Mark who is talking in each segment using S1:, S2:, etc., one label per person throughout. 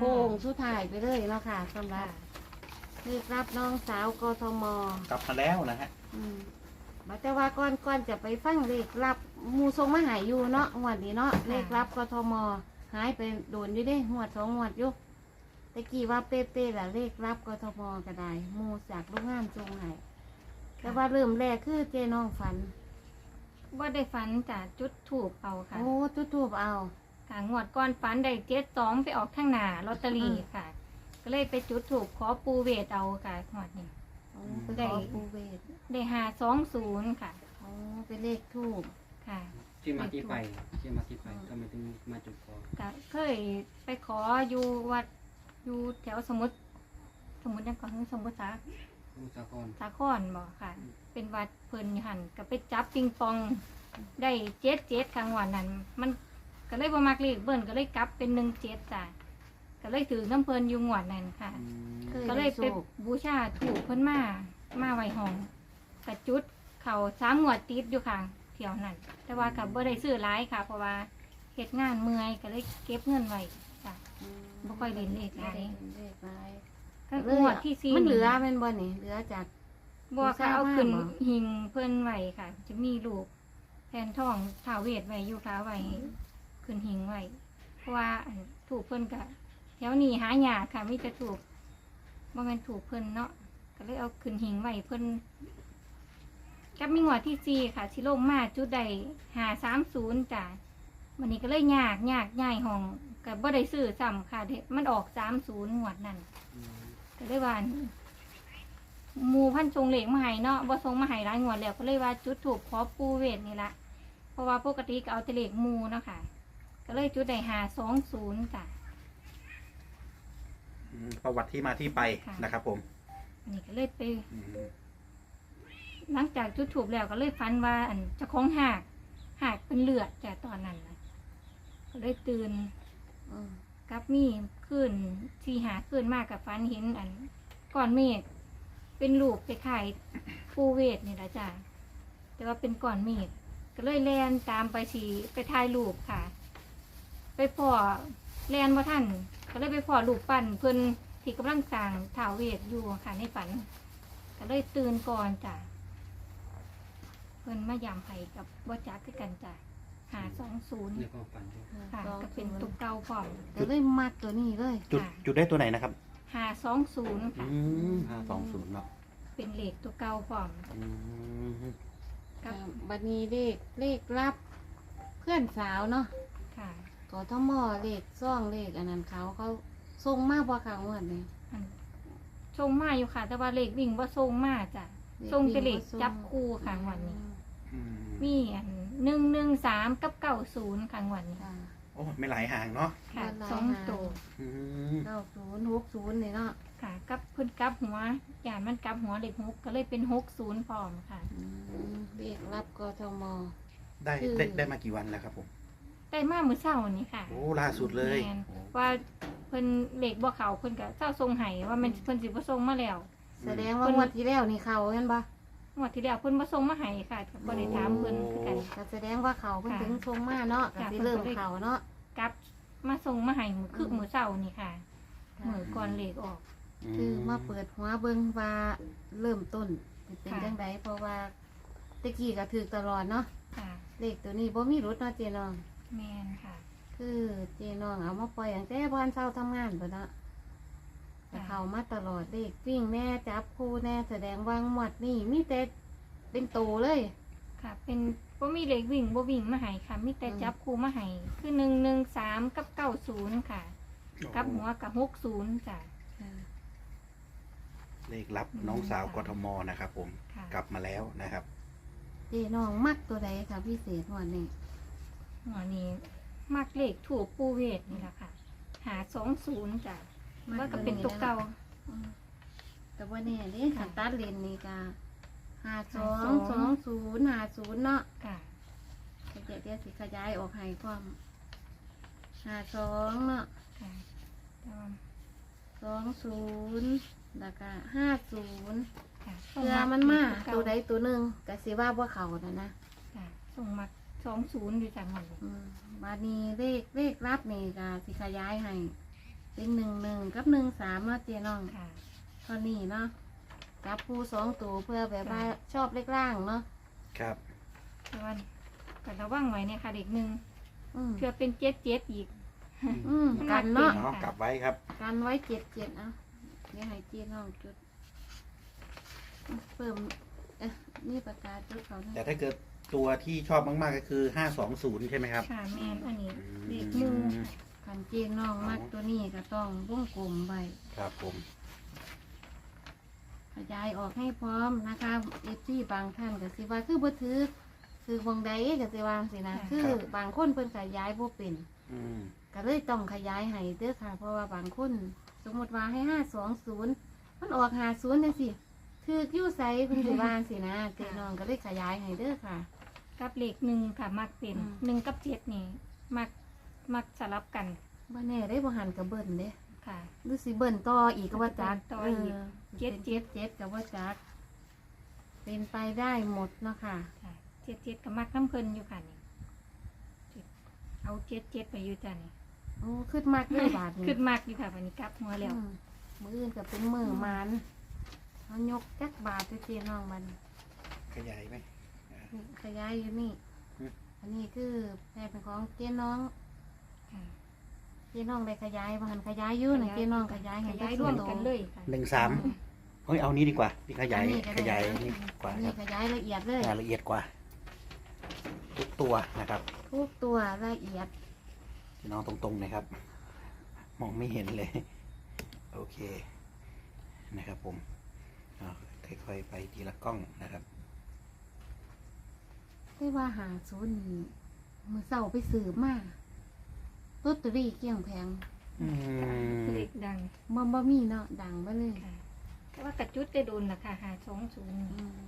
S1: ค้งสุดท้ายไปเลยเนาะค่ะสำหรับเลขรับน้องสาวกทม.
S2: กลับมาแล้วนะฮะ
S1: บัดแต่ว่าก่อนจะไปฟังเลขรับหมูทรงมาหายอยู่เนาะงวดนี้เนาะเลขรับกทม.หายไปโดนอยู่เด้งวด2 งวดอยู่ตะกี้ว่าเป๊ะๆล่ะเลขรับกทม.ก็ได้หมูจากโรงงานทรงใหายแต่ว่าเริ่มแรกคือเจน้องฝัน
S3: ว่าได้ฝันจากจุดถูกเอาค่ะ
S1: โอ้จุดทูบเอา
S3: ค่ะงวดก่อนฝันได้72ไปออกข้างหน้าลอตเตอรี่ค่ะ ก็เลยไปจุดถูกขอปูเวทเอาค่ะงวดนี้
S1: ได้ปูเวท
S3: ได้520ค่ะ
S1: โอ้เป็นเลขทูบ
S3: ค่ะ
S4: ที่มาที่ไปทำไมถึงมาจุดขอ
S3: ก็เคยไปขออยู่วัดอยู่แถวสมุทรยังก่อนสมุทรสาครบอกค่ะเป็นวัดเพิ่นอยู่หันก็ไปจับปิงปองได้77ครั้งวันนั้นมันก็เลยบ่มักเลขเบิ่นก็เลยกลับเป็น17จ้ะก็เลยถือน้ำเพิ่นอยู่งวดนั้นค่ะก็เลยไปบูชาถูกเพิ่นมาไว้ห้องกระจุดเขา3 งวดติดอยู่ค่ะเที่ยวนั้นแต่ว่ากับบ่ได้ซื้อหลายค่ะเพราะว่าเฮ็ดงานเมื่อยก็เลยเก็บเงินไว้จ้ะบ่ค่อยเล่นเลขหลายก็งวดที่4
S1: มันเหลือแม่นบ่นี่เหลือจาก
S3: บ่ค่ะเอาขึ้นหิงเพิ่นไว้ค่ะจะมีรูปแทนทองท้าวเวทไว้อยู่ค่ะไว้ขึ้นหิงไว้เพราะว่าถูกเพิ่นก็แถวนี้หายากค่ะมีแต่ถูกบ่แม่นถูกเพิ่นเนาะก็เลยเอาขึ้นหิงไว้เพิ่นกับมีงวดที่4ค่ะสิลงมาจุดใด530จ้ะวันนี้ก็เลยยากย้ายห้องก็บ่ได้ซื้อซ้ำค่ะมันออก30งวดนั้นก็เลยว่าหมู่พันทรงเหล็กมาให้เนาะบ่ทรงมาให้หลายงวดแล้วก็เลยว่าจุดถูกขอปูเวทนี่ละเพราะว่าปกติก็เอาแต่เหล็กหมู่เนาะค่ะก็เลยจุดได้520จ้ะ
S2: ประวัติที่มาที่ไปนะครับผม
S3: อันนี้ก็เลยไปหลังจากจุดถูกแล้วก็เลยฝันว่าเจ้าของหากเป็นเลือดจ้ะตอนนั้นนะก็เลยตื่นกับมีขึ้นที่หาขึ้นมากกับฝันเห็นก้อนเมฆเป็นลูกไปขายปูเวทนี่แหละจ้ะแต่ว่าเป็นก้อนเมฆก็เลยแลนตามไปไปถ่ายรูปค่ะไปพ่อแลนว่าท่านก็เลยไปพ่อรูปปั้นเพิ่นที่กำลังสร้างท้าวเวทอยู่ค่ะในฝันก็เลยตื่นก่อนจ้ะเพิ่นมายามไผ่กับบ่จักคือกันจ้ะ520
S4: ในความฝัน
S3: ค่ะก็เป็นตุกเก่าพร้อม
S1: ก็เลยมัดตัวนี้เลย
S2: จุดได้ตัวไหนนะครับ
S3: 520ค่ะ
S2: 520เนาะ
S3: เป็นเลขตัวเก่าพร้อม
S1: กับบัดนี้เลขรับเพื่อนสาวเนาะ
S3: ค่ะ
S1: กทม.เลขซ่องเลขอันนั้นเขาส่งมาบ่ค่ะงวดนี้
S3: ส่งมาอยู่ค่ะแต่ว่าเลขวิ่งบ่ส่งมาจ้ะส่งแต่เลขจับคู่ค่ะวันนี้มี113กับ90ค่ะวันนี้
S2: โอ้ไม่หลายห่างเนาะ
S3: ค่ะ2ตัว
S1: 9060นี่เนาะ
S3: ค่ะกับเพิ่นกลับหัวอย่างมันกลับหัวเลข6ก็เลยเป็น60พร้อมค่ะ
S1: เลขรับกทม.
S2: ได้มากี่วันแล้วครับผม
S3: ได้มามื้อเช้านี้ค่ะ
S2: โอ้ล่าสุดเลย
S3: ว่าเพิ่นเลขบ่เข้าเพิ่นก็เจ้าส่งให้ว่ามันเพิ่นสิบ่ส่งมาแล้ว
S1: แสดงว่างวดที่แล้วนี่เขาเห็นบ่
S3: งวดที่แล้วเพิ่นบ่ส่งมาให้ค่ะบ่ได้ถามเพิ่นคือกัน
S1: ก็แสดงว่าเขาเพิ่นถึงส่งมาเนาะก็สิเริ่มเขาเนาะ
S3: กลับมาส่งมาให้มื้อเช้านี่ค่ะมื้อก่อนเลขออก
S1: คือมาเปิดหัวเบิ่งว่าเริ่มต้นเป็นจังไดเพราะว่าตะกี้ก็ถูกตลอดเนาะเลขตัวนี้บ่มีรุดเนาะเจน้อง
S3: แม่นค่ะ
S1: คือเจน้องเอามาปล่อยตั้งแต่บ้านเช้าทำงานพุ่นเนาะแต่เขามาตลอดเลขวิ่งแน่จับคู่แน่แสดงว่างวดนี่มีแต่เป็นโตเลย
S3: ค่ะเป็นบ่มีเลขวิ่งบ่วิ่งมาให้ค่ะมีแต่จับคู่มาให้คือ113กับ90ค่ะกับหัวกับ60จ้ะ
S2: เลขรับน้องสาวกทม.นะครับผมกลับมาแล้วนะครับ
S1: เจน้องมักตัวใดค่ะพิเศษวันนี้
S3: มักเลขถูกปูเวทนี่แหละค่ะ520จ้ะว่าก็เป็นตัวเก่า
S1: แต่ว่าเนี่ยนี่ขันตัดเลนนี่ก็522050เนาะ
S3: ค่ะ
S1: เดี๋ยวสิขยายออกให้ความ52เนาะ
S3: ค่ะ
S1: 20แล้วก็50
S3: ค่ะ
S1: เพื่อมันมาตัวใดตัวหนึ่งก็สิว่าบ่เขานะ
S3: ค่ะส่งมา20อยู่จังหวัด
S1: บาดนี้เลขรับนี่ก็สิขยายให้เป็น11กับ13เนาะเจ๊น้อง
S3: ค่ะ
S1: เท่านี้เนาะจับผู้2ตัวเพื่อแบบว่าชอบเลขล่างเนาะ
S2: ครับ
S3: แต่ว่าก็ระวังไว้เนี่ยค่ะเด็กหนึ่ง
S1: อืม
S3: เพื่อเป็นเจ็ดอีก
S1: กันเนาะ
S2: เนาะกลับไว้ครับ
S1: กันไว้7เนาะเดี๋ยวให้เจ๊น้องจุดเพิ่มนี่ประกาศจุดเขานะ
S2: แต่ถ้าเกิดตัวที่ชอบมากๆก็คือ520ใช่ไหมครับ
S3: ค่ะแม่นอันนี้
S2: อืม
S3: เด็กหนึ่ง
S1: คันเจ๊น้องมักตัวนี้ก็ต้องวงกลมไว้
S2: ครับผม
S1: ขยายออกให้พร้อมนะคะเอฟซีบางท่านก็สิว่าคือบ่ถือคือวงใดก็สิว่าสินะคือบางคนเพิ่นขยายบ่เป็น
S2: อืม
S1: ก็เลยต้องขยายให้เด้อค่ะ เพราะว่าบางคนสมมติว่าให้520มันออก50จังซี่ถืออยู่ไสเพิ่นสิว่าสินะเจ๊น้องก็เลยขยายให้เด้อค่ะ
S3: กับเลขหนึ่งค่ะมักเป็น
S1: อืม
S3: หนึ่งกับเจ็ดนี่มักสลับกัน
S1: บ่แน่ได้บ่หันกับเบิ่นเด้
S3: ค่ะ
S1: หรือสิเบิ่นต่ออีกก็ว่าจัก
S3: ต่ออีก
S1: เจ็ดก็ว่าจักเป็นไปได้หมดเนาะค่ะ
S3: ค่ะเจ็ดกับมักน้ำเพลินอยู่ค่ะนี่เอาเจ็ดไปอยู่จ้ะนี่
S1: โอ้ขึ้นมากเลยบาทนี้
S3: ขึ้นมากอยู่ค่ะวันนี้กลับหัวแล้ว
S1: มืออื่นก็เป็นมือมันเขายกจักบาทไปเจียน้องมัน
S2: ขยายไหม
S1: นี่ขยายอยู่นี่
S2: อืม
S1: อันนี้คือแม่เป็นของเจ๊น้อง
S3: ค่ะ
S1: เจ๊น้องได้ขยายบ้านขยายอยู่นะเจ๊น้องขยาย
S3: ข
S1: ให้
S3: ยาย
S1: ได้
S3: ร่วม
S1: โต
S3: กันเลยค่ะ
S2: 13เฮ้ยเอานี้ดีกว่านี่ขยาย
S1: อันนี้ก็ได้
S2: ขยายนี่กว่า
S1: อัน
S2: ค
S1: นี้
S2: รับ
S1: ขยายละเอียดเลย
S2: รายละเอียดกว่า ทุกตัวนะครับ
S1: ทุกตัวละเอียด
S2: พี่น้องตรงๆนะครับ มองไม่เห็นเลย โอเคนะครับผมเอาค่อยๆไปทีละกล้องนะครับ
S1: ได้ว่าหาศูนย์นี่มือเสาไปสืบมาลอตเตอรี่เกลี้ยงแพง
S2: อืม
S3: เลขดัง
S1: บ่มีเนาะดังไปเลย
S3: ค่ะแต่ว่ากระจุดได้โดนราคา520
S1: อืม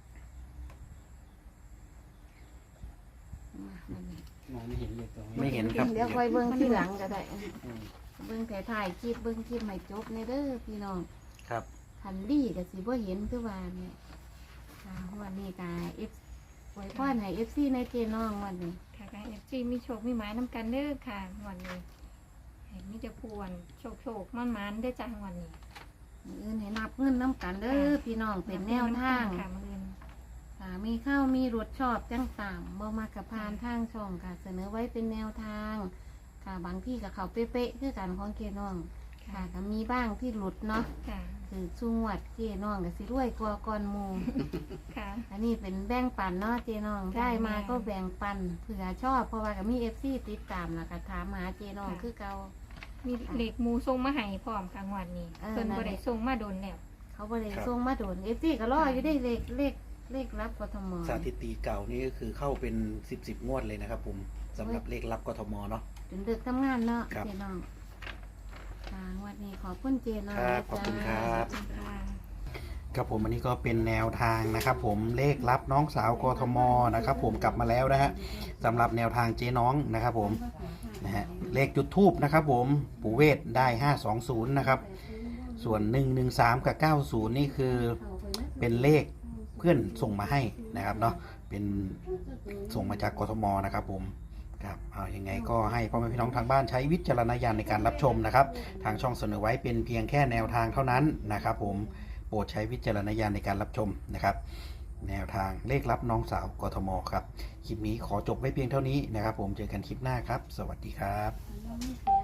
S1: มาอันนี้
S4: มองไม่เห็นเลยตัว
S2: ไม่เห็นครับ
S1: เดี๋ยวค่อยเบิ่งที่หลังก็ได้
S2: อืม
S1: เบิ่งถ่ายคลิปเบิ่งคลิปให้จบในเด้อพี่น้อง
S2: ครับ
S1: คันดีก็สิบ่เห็นคือว่าเนี่ยค่ะวันนี้ก็ไว้พรให้ FC ในเจน้องวันนี้
S3: ค่ะก็ FC มีโชคมีหมายน้ำกันเด้อค่ะวันนี้ให้มีแต่ผู้วันโชคมันได้อจ้าวันนี้
S1: มื้ออื่นให้นับเงินน้ำกันเด้อพี่น้องเป็นแนวทาง
S3: ค่ะมื้ออื่น
S1: ค่ะมีข้าวมีรสชอบจังตามบ่มากกับพานทางช่องค่ะ เสนอไว้เป็นแนวทาง ค่ะบางที่กับเขาเป๊ะๆคือกันของเจน้อง ค่ะก็มีบ้างที่หลุดเนาะ
S3: ค่ะ
S1: คือสุงวัดเจน้องก็สิรวยกว่าก่อนหมู่
S3: ค่ะ
S1: อันนี้เป็นแบ่งปันเนาะเจน้อง
S3: จ้ะ
S1: ได้มา
S3: แม่
S1: ก็แบ่งปันเผื่อชอบเพราะว่าก็มีFC ติดตามแล้วก็ถามหาเจน้อง
S3: ค่ะ
S1: คือเก่า
S3: มีเลขหมูส่งมาให้พร้อมกลางวันนี้
S1: เออ
S3: เพิ่น
S1: นั่น
S3: บ่
S1: แหละ
S3: ได้ส่งมาโดนแล้ว
S1: เขาบ่ได้ส่งมาโดน FC ก็รออยู่ได้เลขรับกทม
S2: สถิติเก่านี่ก็คือเข้าเป็น10งวดเลยนะครับผมสำหรับเลขรับกทมเนาะ
S1: จนดึกทำงานเนาะ
S2: ครับ
S1: เจน้องค่ะวันนี้ขอบคุณเจน้อง
S2: ครับ
S1: นะ
S2: ขอบคุณ
S1: จ๊ะ
S2: ครับ
S3: ค่ะ
S2: ครับผมอันนี้ก็เป็นแนวทางนะครับ ผมเลขรับน้องสาวกทมนะครับ ผมกลับมาแล้วนะฮะสำหรับแนวทางเจ๊น้องนะครับผมนะฮะเลขจุดทูบนะครับ ผมปู่เวทได้520นะครับส่วน113กับ90นี่คือเป็นเลขเพื่อนส่งมาให้นะครับเนาะเป็นส่งมาจากกทมนะครับผมครับเอายังไงก็ให้พ่อแม่พี่น้องทางบ้านใช้วิจารณญาณในการรับชมนะครับทางช่องเสนอไว้เป็นเพียงแค่แนวทางเท่านั้นนะครับผมโปรดใช้วิจารณญาณในการรับชมนะครับ แนวทางเลขรับน้องสาวกทมครับคลิปนี้ขอจบไว้เพียงเท่านี้นะครับผมเจอกันคลิปหน้าครับ สวัสดีครับ
S1: ไม่เสีย